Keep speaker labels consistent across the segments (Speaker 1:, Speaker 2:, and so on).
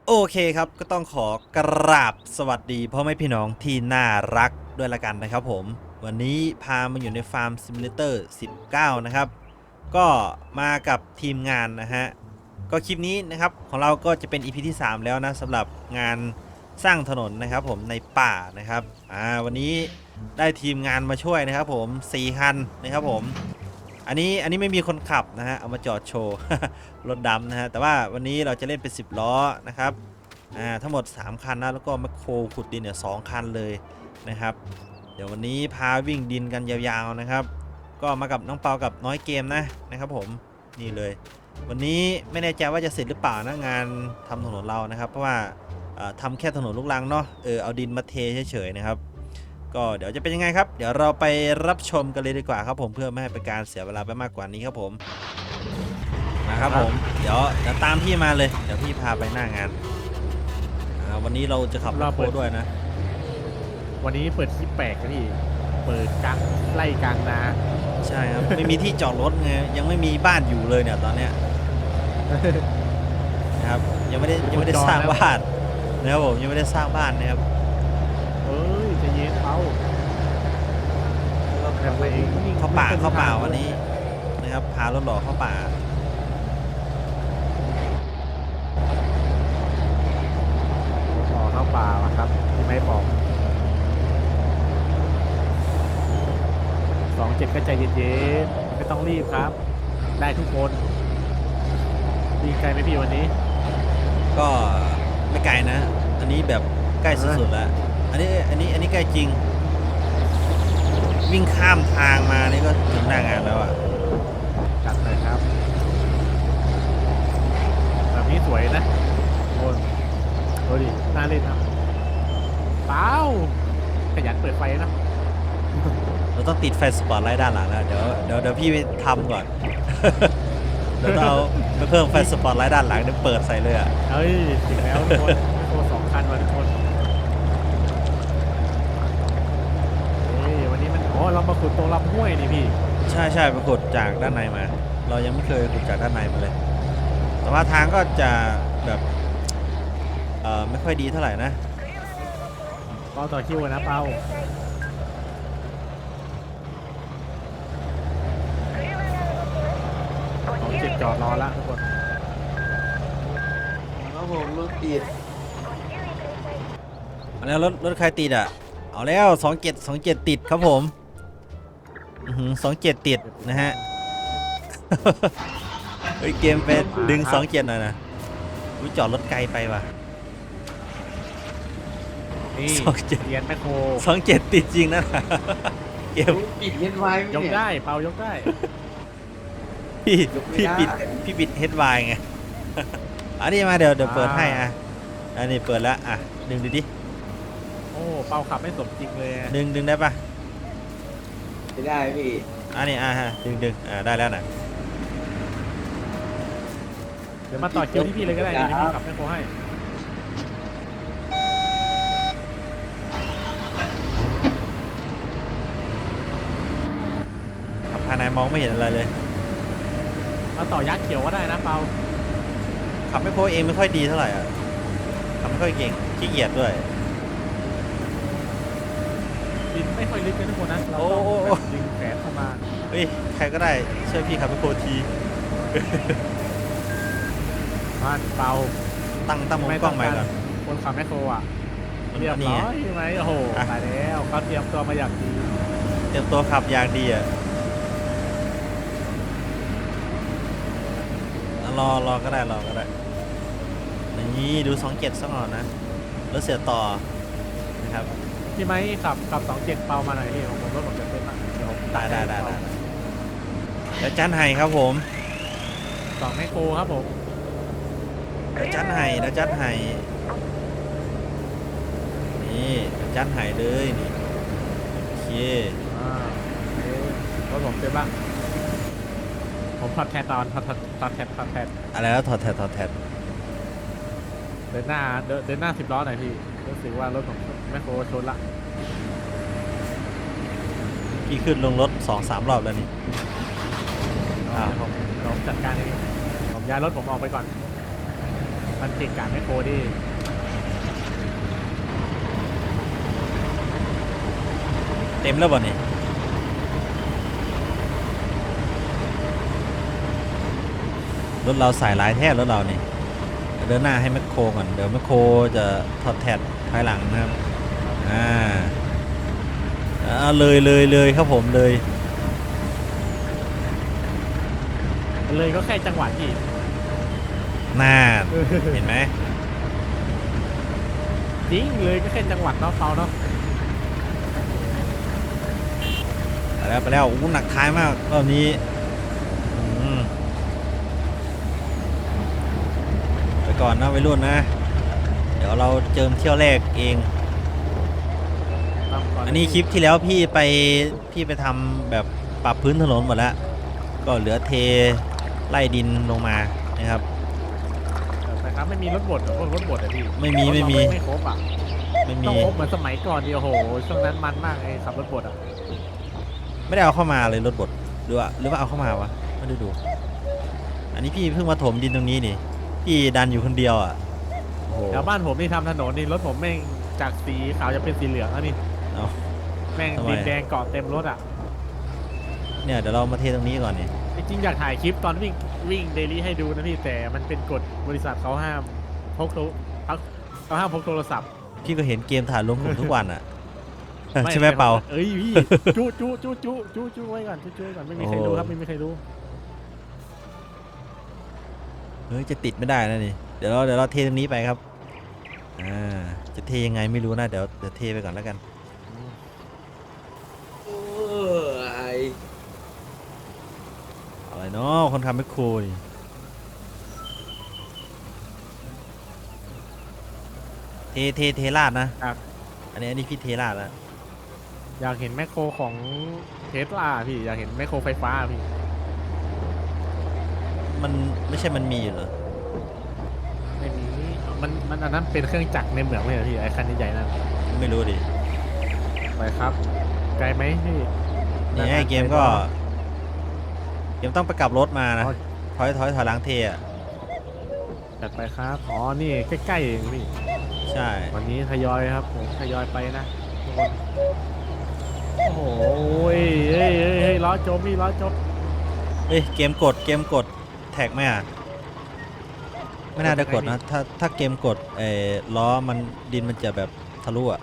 Speaker 1: โอเคครับก็ต้องขอกราบสวัสดีพ่อแม่พี่น้องที่น่ารักด้วยละกันนะครับผมวันนี้พามาอยู่ในฟาร์มซิมูเลเตอร์19นะครับก็มากับทีมงานนะฮะก็คลิปนี้นะครับของเราก็จะเป็น EP ที่3แล้วนะสำหรับงานสร้างถนนนะครับผมในป่านะครับวันนี้ได้ทีมงานมาช่วยนะครับผม4คันนะครับผมอันนี้ไม่มีคนขับนะฮะเอามาจอดโชว์ รถดำนะฮะแต่ว่าวันนี้เราจะเล่นเป็น10ล้อนะครับทั้งหมด3คันนะแล้วก็แมคโครขุดดินเนี่ย2คันเลยนะครับเดี๋ยววันนี้พาวิ่งดินกันยาวๆนะครับก็มากับน้องเปากับน้อยเกมนะครับผมนี่เลยวันนี้ไม่แน่ใจว่าจะเสร็จหรือเปล่านะงานทำถนนเรานะครับเพราะว่าทำแค่ถนนลูกรังเนาะเอาดินมาเทเฉยๆนะครับก็เดี๋ยวจะเป็นยังไงครับเดี๋ยวเราไปรับชมกันเลยดีกว่าครับผมเพื่อไม่ให้เป็นการเสียเวลาไปมากกว่านี้ครับผมนะครับผมเดี๋ยวตามพี่มาเลยเดี๋ยวพี่พาไปหน้างานวันนี้เราจะขับรถโคด้วยนะ
Speaker 2: วันนี้เปิดที่แปลกนะพี่เปิดกลางไล่กลางนา
Speaker 1: ใช่ครับ ไม่มีที่จอดรถไงยังไม่มีบ้านอยู่เลยเนี่ยตอนเนี้ยนะครับยังไม่ได้สร้างบ้านนะครับผมยังไม่ได้สร้างบ้านนะครับ
Speaker 2: เอ้ยจะเย็นเขา
Speaker 1: เข้าป่าวันนี้นะครับพารถหล่อเข้าป่า
Speaker 2: เข้าป่าวะครับที่ไม่บอก27ก็ใจเย็นๆไม่ต้องรีบครับได้ทุกคนดีใจไหมพี่วันนี้
Speaker 1: ก็ไม่ไกลนะอันนี้แบบใกล้สุดๆแล้วอันนี้ใกล้จริงวิ่งข้ามทางมานี่ก็ถึงหน้างานแล้วอ่ะ
Speaker 2: จัดเลยครับแบบนี้สวยนะโอ้ดูดิน่าเล่นครับเปล่าขยันเปิดไฟนะ
Speaker 1: เราต้องติดไฟสปอตไลท์ด้านหลังนะเดี๋ยวพี่ไปทำก่อน เดี๋ยวเราไปเพิ่มไฟสปอตไลท์ด้านหลังเดี๋ยวเปิดใส่เลยอ่ะ
Speaker 2: เฮ้ยถึงแล้วทุกคนโค2 คันวันทุกคนวันนี้มันเรามาขุดตรงลำห้วยนี่พี่
Speaker 1: ใช่ไปขุดจากด้านในมาเรายังไม่เคยขุดจากด้านในมาเลยแต่ว่าทางก็จะแบบไม่ค่อยดีเท่าไหร่นะ
Speaker 2: เป้าต่อคิวนะเป้า27จอดรอละทุกคน
Speaker 3: ครับผมรถติด
Speaker 1: แล้วรถใครติดอ่ะเอาแล้ว27ติดครับผม27ติดนะฮะ เฮ้ยเกมไปดึง27หน่อยนะวิจอดรถไกลไปว่ะ
Speaker 2: นี่เรียนแมคโคร
Speaker 1: 27ติดจริงนะเกม
Speaker 3: ปิดเย็นไว้
Speaker 2: ยกได้เปายกได้
Speaker 1: พี่ปิดเฮดไวไงอันนี้มาเดี๋ยวเปิดให้อ่ะอันนี้เปิดแล้วอ่ะดึงดิ
Speaker 2: โอ้เปาขับไม่สมจริงเลย
Speaker 1: ดึงได้ปะ
Speaker 3: ไม่ได้พี่
Speaker 1: อันนี้ฮะดึงได้แล้วนะ
Speaker 2: เดี๋ยวมาต่อคิวที่พี่เลยก็ได้นี่พี่ขับแมคโครให้
Speaker 1: ขับภายในมองไม่เห็นอะไรเลย
Speaker 2: มาต่อยักษ์เขียวก็ได้นะเปา
Speaker 1: ขับไม่โค้เองไม่ค่อยดีเท่าไหร่อ่ะขับไม่ค่อยเก่งขี้เกียจด้วย
Speaker 2: ดินไม่ค่อยลึกเลยทุกคนนะเราต้องดึงแขนเข้ามา
Speaker 1: เฮ้ยใครก็ได้ช่วยพี่ขับไม่โค้ที
Speaker 2: บ้านเปา
Speaker 1: ตั้งมุมกล้องใหม่ก่อน
Speaker 2: คนขับแมคโครอ่ะเรียบร้อยใช่ไหมโอ้โหตายแล้วเขาเตรียมตัวมาอย่างดี
Speaker 1: เตรียมตัวขับอย่างดีอ่ะรอก็ได้นี่ดู27สักหน่อยนะแล้วเสียต่อนะครับ
Speaker 2: พี่ไม้ขับ27เปามาหน่อยพี่ผมรถผมจะเต้นมากเดี๋ยวผม
Speaker 1: ได้แล้วจันไห้ครับผม
Speaker 2: 2แมคโครครับผม
Speaker 1: แล้วจันไห้นี่จันไห้เลยนี่โอเค
Speaker 2: รถผมเต้นบ้างผมถอดแทนถอดแทน
Speaker 1: อะไรแล้วถอดแทน
Speaker 2: เดินหน้า10 ล้อหน่อยพี่รู้สึกว่ารถผมแมคโครชนละ
Speaker 1: พี่ขึ้นลงรถ 2-3 รอบแล้วนี่
Speaker 2: ผมจัดการเองผมย้ายรถผมออกไปก่อนมันเก่งกาจไม่โคดิ
Speaker 1: เต็มแล้วบ่เนี่ยรถเราสายหลายแท้รถเราเนี่ยเดินหน้าให้แมคโครก่อนเดี๋ยวแมคโครจะถอดแถดภายหลังนะครับเลยครับผมเลย
Speaker 2: เลยก็แค่จังหวะที่
Speaker 1: น่าเห็นไหม
Speaker 2: จริงเลยก็แค่จังหวัดเนาะเปาเนาะ
Speaker 1: ไปแล้วอู้หนักท้ายมากรอบนี้ไปก่อนนะวัยรุ่นนะเดี๋ยวเราเจิมเที่ยวแรกเองอันนี้คลิปที่แล้วพี่ไปทำแบบปรับพื้นถนนหมดแล้วก็เหลือเทไล่ดินลงมานะครับ
Speaker 2: แต่ครับไม่มีรถบดรถบดอะพี่
Speaker 1: ไม่มี
Speaker 2: ไม่ครบอ่ะ
Speaker 1: ไม่
Speaker 2: ต้อ
Speaker 1: มี
Speaker 2: งครบเหมือนสมัยก่อนดิโอ้โหช่วงนั้นมันมากไอ้ขับรถบดอ่ะ
Speaker 1: ไม่ได้เอาเข้ามาเลยรถบดหรือว่าเอาเข้ามาวะไม่ได้ดู อันนี้พี่เพิ่งมาถมดินตรงนี้นี่พี่ดันอยู่คนเดียวอ่ะโอ้โห
Speaker 2: แถวบ้านผมนี่ทำถนนนี่รถผมแม่งจากสีขาวจะเป็นสีเหลืองแล้วนี่
Speaker 1: เอา
Speaker 2: แม่ง
Speaker 1: ทำไม
Speaker 2: ดินแดงเกาะเต็มรถอ่ะ
Speaker 1: เนี่ยเดี๋ยวเรามาเทตรงนี้ก่อนนี่
Speaker 2: จริงๆอยากถ่ายคลิปตอนวิ่งเดลี่ให้ดูนะพี่แต่มันเป็นกฎบริษัทเขาห้ามพกโทรศัพท์
Speaker 1: พี่ก็เห็นเกมถ่ายลงผมทุกวันอ่ะ ใช่ไหมเปา
Speaker 2: เอ้ยพี่จู้ไว้ก่อนจู้ไว้ก่อนไม่มีใครรู้ครับไม่มีใครรู้
Speaker 1: เฮ้ยจะติดไม่ได้นะนี่เดี๋ยวเราเทตรงนี้ไปครับจะเทยังไงไม่รู้นะเดี๋ยวเทไปก่อนแล้วกัน
Speaker 3: โอ้ย
Speaker 1: อะไรเนาะคนทำแมคโครนี่เทลาดนะครับ อันนี้พี่เทลาดแล้ว
Speaker 2: อยากเห็นแมคโครของเทสลาพี่อยากเห็นแมคโครไฟฟ้าพี่
Speaker 1: มันไม่ใช่มันมีอยู่เหรอ
Speaker 2: ไม่มีมันอันนั้นเป็นเครื่องจักรในเหมืองเลยเหรอพี่ไอ้คันใหญ่ๆนั่น
Speaker 1: ไม่รู้ดิ
Speaker 2: ไปครับไกลไหมพี่
Speaker 1: นี่ไอ้เกมก็เกมต้องไปกลับรถมานะถอยหลังเทอ่ะ
Speaker 2: จัดไปครับอ๋อนี่ใกล้ๆเองพี่
Speaker 1: ใช่
Speaker 2: วันนี้ทยอยครับผมทยอยไปนะทุกคนโอ้โหเฮ้ยล้อจมพี่ล้อจม
Speaker 1: เอ้ยเกมกดแท็กไหมอ่ะไม่น่าได้กดนะถ้าเกมกดล้อมันดินมันจะแบบทะลุอ่ะ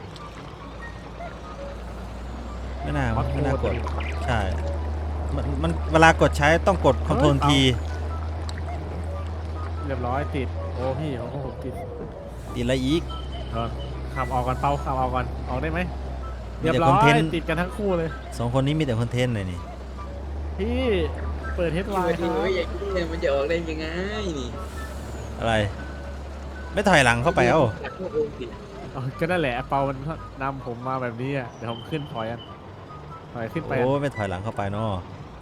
Speaker 1: ไม่น่ากดใช่มันเวลากดใช้ต้องกดคอนโทรลที
Speaker 2: เรียบร้อยติดโอ้พี่โอ้โหติด
Speaker 1: ติดอะไรอีก
Speaker 2: ขับออกก่อนเปาขับออกก่อนออกได้ไหม
Speaker 1: มี
Speaker 2: เรียบ
Speaker 1: แต่
Speaker 2: ร้อ
Speaker 1: คอนเท
Speaker 2: ย
Speaker 1: นต์
Speaker 2: ติดกันทั้งคู่เลย
Speaker 1: สองคนนี้มีแต่คอนเทนต์เลยนี่
Speaker 2: พี่เปิดเฮดไล
Speaker 3: วัน
Speaker 2: น์ค
Speaker 3: นี้
Speaker 2: รับ
Speaker 3: ไม่อยากคิดเลยมันจะออกได้ยังไงนี่
Speaker 1: อะไร ไม่ถอยหลังเข้าไปเอ้า
Speaker 3: จากพวกโองสิ
Speaker 2: ก็นั่นแหละเปามันนำผมมาแบบนี้อ่ะเดี๋ยวผมขึ้นถอยขึ้นไป
Speaker 1: โอ้ไม่ถอยหลังเข้าไปเนาะ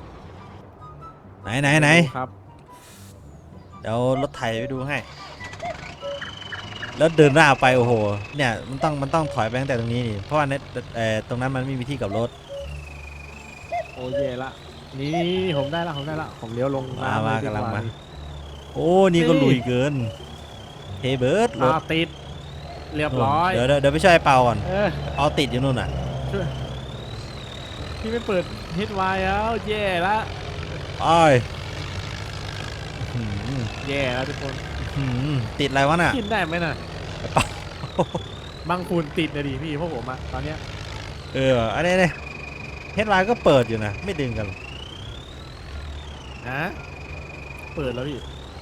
Speaker 1: ไหน
Speaker 2: ครับ
Speaker 1: เดี๋ยวรถไถไปดูให้ แล้วเดินหน้าไปโอ้โหเนี่ยมันต้องถอยไปตั้งแต่ตรงนี้นี่เพราะว่าตรงนั้นมันไม่มีที่กลับรถ
Speaker 2: โอ้เย่ละนี่ผมได้ละผมเลี้ยวลงน้ำ
Speaker 1: มา
Speaker 2: เลยดี
Speaker 1: กำลัง
Speaker 2: ว่
Speaker 1: มา โอ้นี่ก็ลุยเกินเทเบิร์ดรถ
Speaker 2: ติดเรียบร้อย
Speaker 1: เดี๋ยวไปช่วยไอ้เปาก่อน
Speaker 2: เออ
Speaker 1: เอาติดอยู่นู่นน่ะ
Speaker 2: พี่ไม่เปิดเฮดไลน์แล้วแย่ละ
Speaker 1: อ้อย
Speaker 2: แย่แล้วทุกคน
Speaker 1: ติดอะไรวะน่ะ
Speaker 2: ขึ้นได้ไหมน่ะบางคูนติดนะดิพี่พวกผมอะตอนเนี้ย
Speaker 1: อันนี้เนี่ยเฮดไลน์ก็เปิดอยู่นะไม่ดึงกันหรอก
Speaker 2: นะเปิดแล้วพี่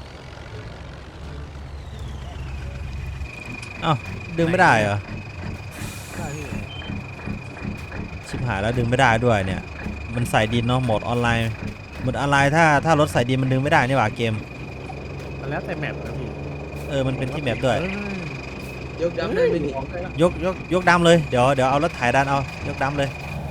Speaker 1: อ้าวดึงไม่ได้เหรอ
Speaker 2: ใช่พี่
Speaker 1: ชิบหายแล้วดึงไม่ได้ด้วยเนี่ยมันใส่ดินเนาะโหมดออนไลน์ถ้ารถใส่ดินมันดึงไม่ได้นี่หว่าเกม
Speaker 2: มันแล้วแต่แมปนะพี่
Speaker 1: มันเป็นที่แมปด้วย
Speaker 3: ยกดำได้ไหมนี่
Speaker 1: ยกดำเลยเดี๋ยวเอารถไถดันเอายกดำเลย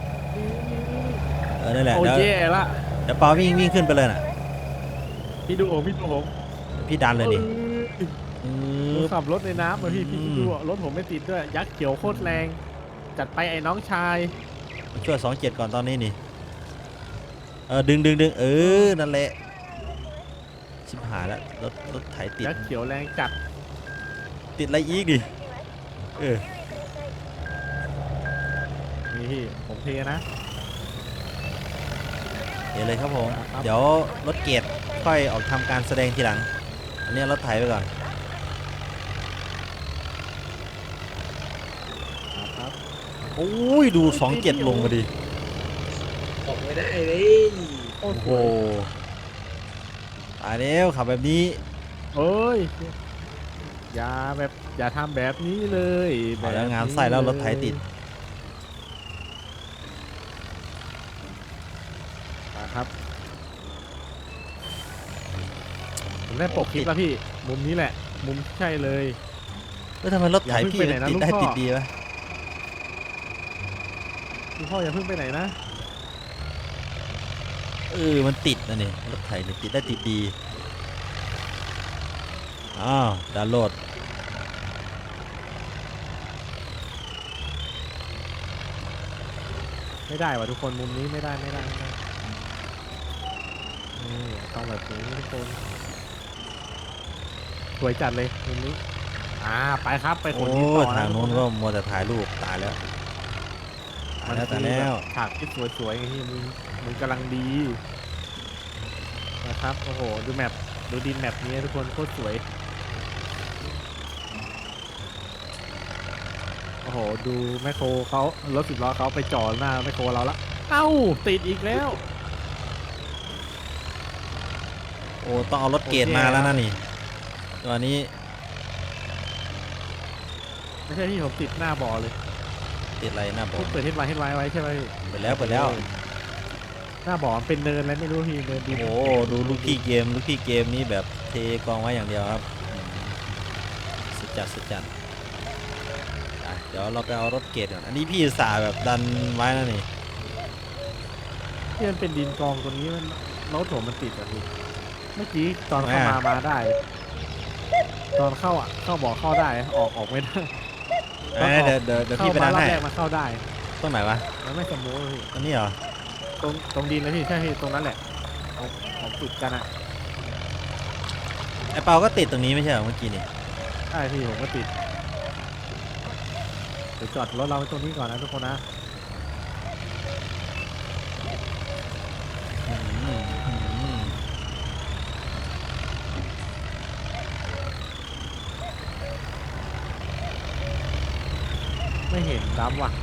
Speaker 1: นั่นแหละ
Speaker 2: โอ้
Speaker 1: เดี๋ยว
Speaker 2: แย่ละ
Speaker 1: เปาวิ่งขึ้นไปเลยน่ะ
Speaker 2: พี่ดูผม
Speaker 1: พี่ดันเลยนี่
Speaker 2: ผมขับรถในน้ำอะพี่ดูอะรถผมไม่ติดด้วยยักษ์เขียวโคตรแรงจัดไปไอ้น้องชาย
Speaker 1: ช่วย27ก่อนตอนนี้นี่ดึงนั่นแหละชิบหายแล้วรถไถติด
Speaker 2: ยักษ์เขียวแรงจัด
Speaker 1: ติดอะไรอีกดิเออ
Speaker 2: นี่พี่ผมเทนะ
Speaker 1: เดี๋ยวเลยครับผม
Speaker 2: ครับ
Speaker 1: เดี๋ยวรถเกียรค่อยออกทำการแสดงทีหลัง อันนี้รถไถไปก่อน
Speaker 2: ครับ
Speaker 1: โอ้ยดู27ลงมาดิ
Speaker 3: ออกไม่ได้เลย
Speaker 2: โอ้
Speaker 1: โอ้
Speaker 2: โห
Speaker 1: โหตายแล้วขับแบบนี้
Speaker 2: เอ้ยอย่าทำแบบนี้เลย
Speaker 1: เอาแล้วงานไส้แล้วรถไถติด
Speaker 2: มาครับผมได้ปกคลิปแล้วพี่มุมนี้แหละ มุมใช่เลย
Speaker 1: แล้วทำไมรถไถ
Speaker 2: อย่าเพิ่ง
Speaker 1: พี่
Speaker 2: ไปไหนนะ
Speaker 1: ติด
Speaker 2: ลูก
Speaker 1: ได้
Speaker 2: พ่อ
Speaker 1: ติดดีวะ
Speaker 2: คุณพ่ออย่าเพิ่งไปไหนนะ
Speaker 1: มันติดนะนี่รถไถเนี่ยติดได้ติดดีอ้าวดาวน์โหลด
Speaker 2: ไม่ได้ว่ะทุกคนมุมนี้ไม่ได้นี่ต้องแบบนี้ทุกคนสวยจัดเลยมุมนี้ไปครับไปข
Speaker 1: โอ้
Speaker 2: นดินต่อนะ
Speaker 1: ทางโน้น
Speaker 2: ทุ
Speaker 1: ก็
Speaker 2: ค
Speaker 1: มัวแต่ถ่ายรูปตายแล้วตาย
Speaker 2: มัน
Speaker 1: แล้ว
Speaker 2: คื
Speaker 1: ตาย
Speaker 2: อ
Speaker 1: แล้ว
Speaker 2: ฉากที่สวยๆไงที่มึงกำลังดีนะครับโอ้โหดูแมปดูดินแมปนี้ทุกคนโคตรสวยโอ้โหดูแมคโครเขารถ10 ล้อเขาไปจอดหน้าแมคโครเราละเอ้าติดอีกแล้ว
Speaker 1: โอ้ต้องเอารถเกรดมาแล้วนะนี่ตัวนี้
Speaker 2: ไม่ใช่พี่ผมติดหน้าบ่อเลย
Speaker 1: ติดอะไรหน้าบอ
Speaker 2: พว
Speaker 1: ก
Speaker 2: กเปิดเฮดไว้ใช่ไหมพี่
Speaker 1: เปิดแล้ว
Speaker 2: หน้าบ่อมันเป็นเนินแล้วไม่รู้พี่เนินดิน
Speaker 1: โอ้ดูลูกพี่เกมนี้แบบเทกองไว้อย่างเดียวครับสุดจัดอ่ะเดี๋ยวเราไปเอารถเกรดก่อนอันนี้พี่อุตสาห์แบบดันไว้นะนี่
Speaker 2: ที่มันเป็นดินกองตรงนี้มันรถผมมันติดอ่ะพี่เมื่อกี้ตอนเข้ามาได้ ตอนเข้าเข้าบ่อเข้าได้ออกไม่ได้
Speaker 1: เดี๋ยวพี่ไปดัน
Speaker 2: เข้ามารอบ
Speaker 1: ให้
Speaker 2: แรกมันเข้าได้
Speaker 1: ตรงไหนวะ
Speaker 2: มันไม่สมูทพี่
Speaker 1: ตรงนี้เหรอ
Speaker 2: ตรงดินเลยพี่ใช่พี่ตรงนั้นแหละของติดกันอ่ะ
Speaker 1: ไอเปาก็ติดตรงนี้ไม่ใช่เหรอเมื่อกี้นี่
Speaker 2: ใช่พี่ผมก็ติดเดี๋ยวจอดรถเราไว้ตรงนี้ก่อนนะทุกคนนะ
Speaker 1: อืม
Speaker 2: ไม่เห็นดำว่ะ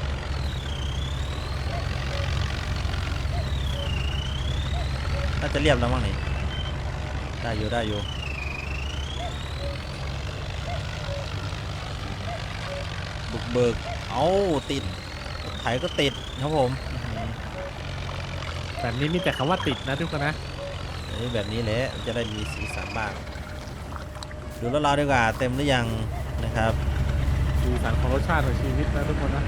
Speaker 1: น่าจะเรียบแล้วมั้งนี่ได้อยู่บุกเบิกเอาติดรถไถก็ติดครับผม
Speaker 2: แบบนี้มีแต่คำว่าติดนะทุกคนนะ
Speaker 1: แบบนี้แหละจะได้มีสีสันบ้างดูรถเราดีกว่าเต็มหรือยังนะครับ
Speaker 2: สีสันของรสชาติของชีวิตนะทุกคนนะ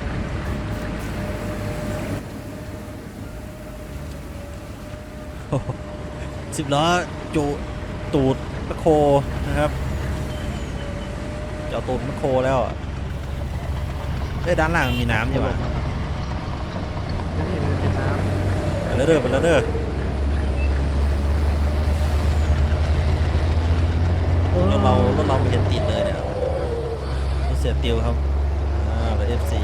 Speaker 1: 10 ล้อจุตูดแมคโครนะครับเจาะตูดแมคโครแล้วอะด้านล่างมีน้ำใช่ปะ
Speaker 2: นี่เลยเป็นน้
Speaker 1: ไปแล้วเด้อ
Speaker 2: ำ
Speaker 1: รถเราไม่เห็นติดเลยเนี่ยรถเสียติวครับรถ FC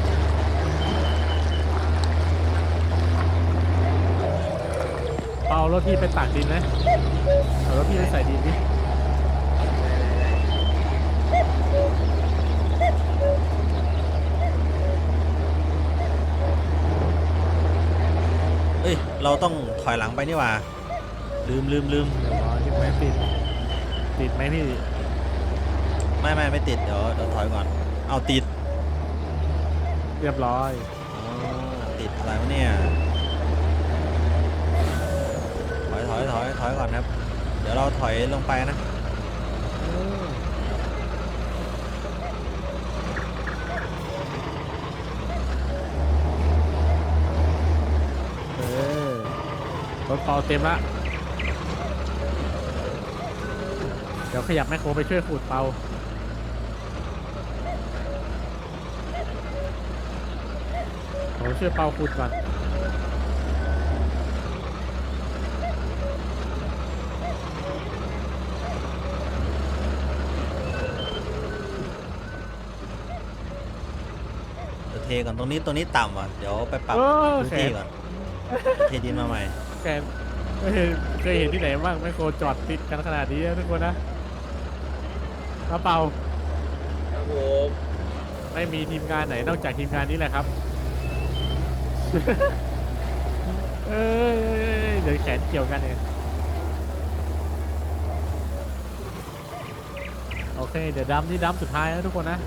Speaker 2: เอารถพี่ไปตากดินไหมเอารถพี่ไปใส่ดินดิ
Speaker 1: เอ้ยเราต้องถอยหลังไปนี่หว่าลืม
Speaker 2: เดี๋ยวรอที่ไม่ติดไหมพี่
Speaker 1: ไม่ติดเดี๋ยวถอยก่อนเอาติด
Speaker 2: เรียบร้อย
Speaker 1: อ๋อติดอะไรวะเนี่ยถอยก่อนครับเดี๋ยวเราถอยลงไปนะ
Speaker 2: เออรถเปาเต็มละเดี๋ยวขยับแมคโครไปช่วยขูดเปาผมช่วยเปาขูดก่อน
Speaker 1: เทก่อนตรงนี้ต่ำอ่ะเดี๋ยวไปปรับ
Speaker 2: เออ
Speaker 1: พื้นที่ก่อนเทดินมาใหม่
Speaker 2: แกเคยเห็นที่ไหนบ้างไมโครจอดติดกันขนาดนี้นะทุกคนนะกระเป๋า
Speaker 3: ครับผม
Speaker 2: ไม่มีทีมงานไหนนอกจากทีมงานนี้แหละครับ เอ้ยเดี๋ยวแขนเกี่ยวกันเองโอเคเดี๋ยวดัมนี่ดัมสุดท้ายนะทุกคนนะ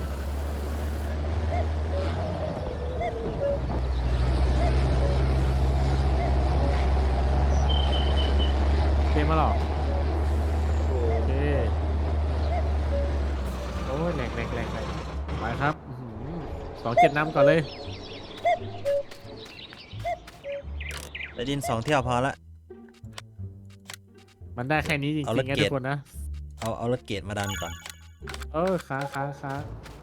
Speaker 2: เกมมาหรอ
Speaker 3: โอ้
Speaker 2: โอเคโอ้ยแหลกไปครับ27นำก่อนเลย
Speaker 1: ไปดิน2 เที่ยวพอละ
Speaker 2: มันได้แค่นี้จริง
Speaker 1: เอา
Speaker 2: ๆ
Speaker 1: รถ
Speaker 2: ไง
Speaker 1: เกี
Speaker 2: ทุ
Speaker 1: ยร์
Speaker 2: กคนนะ
Speaker 1: เอารถเกรดมาดันก่อน
Speaker 2: ค้าง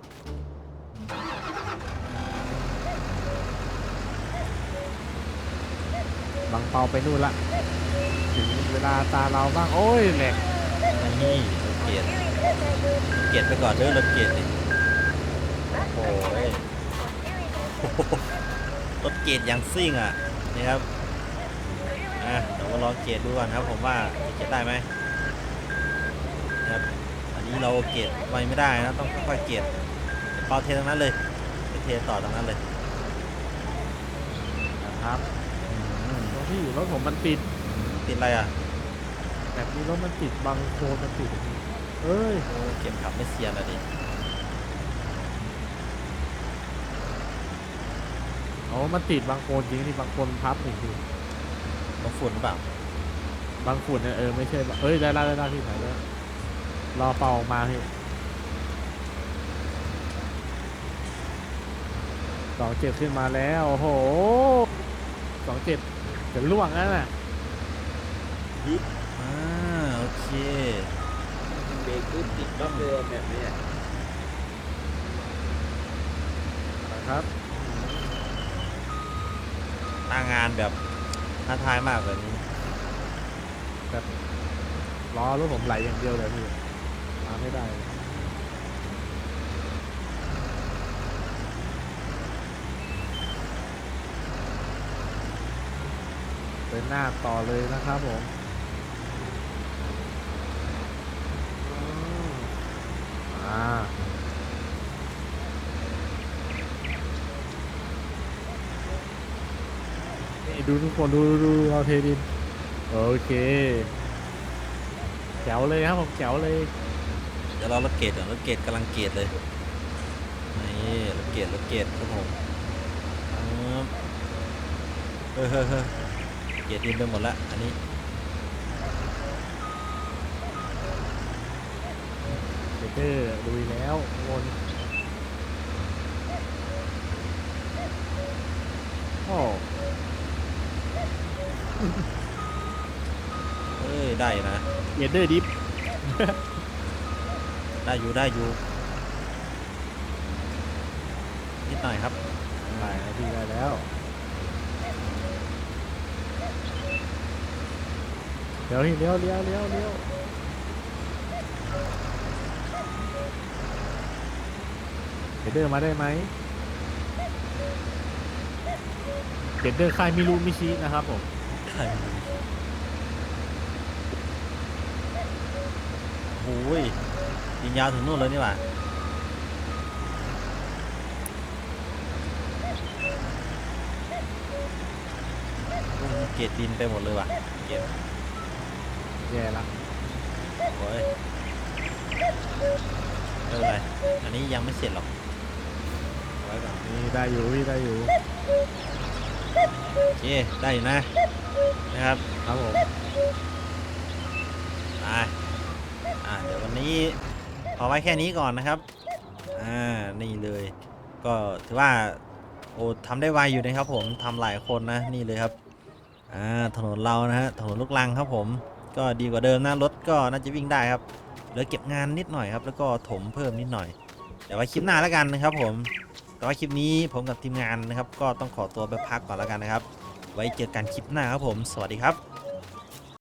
Speaker 2: บางเปาไปนู่นละถึงเวลาตาเราบ้างโอ้ยแหลก
Speaker 1: นี่รถเกรดไปก่อนเด้อรถเกรดดิโอ้ยรถเกรดอย่างซิ่งอ่ะนี่ครับเดี๋ยวมาลองเกรดดูก่อนครับผมว่าจะเกรดได้ไหมนะครับอันนี้เราเกรดไวไม่ได้นะต้องค่อยๆเกรดเปาเทตรงนั้นเลยไปเทต่อตรงนั้นเลย
Speaker 2: นะครับตรงที่รถผมมันติด
Speaker 1: ติดอะไรอ่ะ
Speaker 2: แบบนี้รถมันติดบางโคลนมันติดเอ้ย
Speaker 1: โอ้เกมขับไม่เซียนอ่ะดิ
Speaker 2: มันติดบางโคลนจริงที่บางโคลนพับจริง
Speaker 1: ต้องฝุ่นหรือเปล่า
Speaker 2: ๆบางฝุ่นเนี่ยไม่ใช่ได้พี่ไหนแล้วรอเป่าออกมาพี่27ขึ้นมาแล้วโอ้โห27จะล่วงแล้วน่ะ
Speaker 1: โอเค
Speaker 3: เบรกขึ้นติดรอบเดิมแบบเนี้ย
Speaker 2: นะครับ
Speaker 1: หน้างานแบบท้าทายมากแบบนี้
Speaker 2: ล้อรถผมไหลอย่างเดียวเลยพี่มาไม่ได้เดินหน้าต่อเลยนะครับผมอ่านี่ดูทุกคนดูเราเทดินโอเคแจ๋วเลยครับผมแจ๋วเลย
Speaker 1: เดี๋ยวเรารถเกตก่อนรถเกตกำลังเกตเลยนี่รถเกตครับผมเฮ้ยเกตดินไปหมดละอันนี้
Speaker 2: เดอร์ลุยแล้ววน โอ้
Speaker 1: เอ้ยได้นะ
Speaker 2: เดอร์ดิฟ
Speaker 1: ได้อยู่นิดหน่อยครับ
Speaker 2: ได้แล้วพี่ได้แล้วเดี๋ยวเลี้ยวเดอร์มาได้ไหมเดอร์ค่ายมิรูมิชินะครับผม
Speaker 1: ใช่โอ้ยยิงยาวถึงนู่นเลยนี่หว่าเกตดินไปหมดเลยว่ะเกต
Speaker 2: แย่ละ
Speaker 1: โอ้ยไม่เป็นไรอันนี้ยังไม่เสร็จหรอกเอาไว้ก่อน
Speaker 2: นี่ได้อยู่พี่ได้อยู่
Speaker 1: โอเคได้อยู่นะครับ
Speaker 2: ครับผม
Speaker 1: เดี๋ยววันนี้พอไว้แค่นี้ก่อนนะครับนี่เลยก็ถือว่าโอ้ทำได้ไวอยู่นะครับผมทำหลายคนนะนี่เลยครับถนนเรานะฮะถนนลูกรังครับผมก็ดีกว่าเดิมนะรถก็น่าจะวิ่งได้ครับเหลือเก็บงานนิดหน่อยครับแล้วก็ถมเพิ่มนิดหน่อยเดี๋ยวไว้คลิปหน้าแล้วกันนะครับผมแต่ว่าคลิปนี้ผมกับทีมงานนะครับก็ต้องขอตัวไปพักก่อนแล้วกันนะครับไว้เจอกันคลิปหน้าครับผมสวัสดีครับ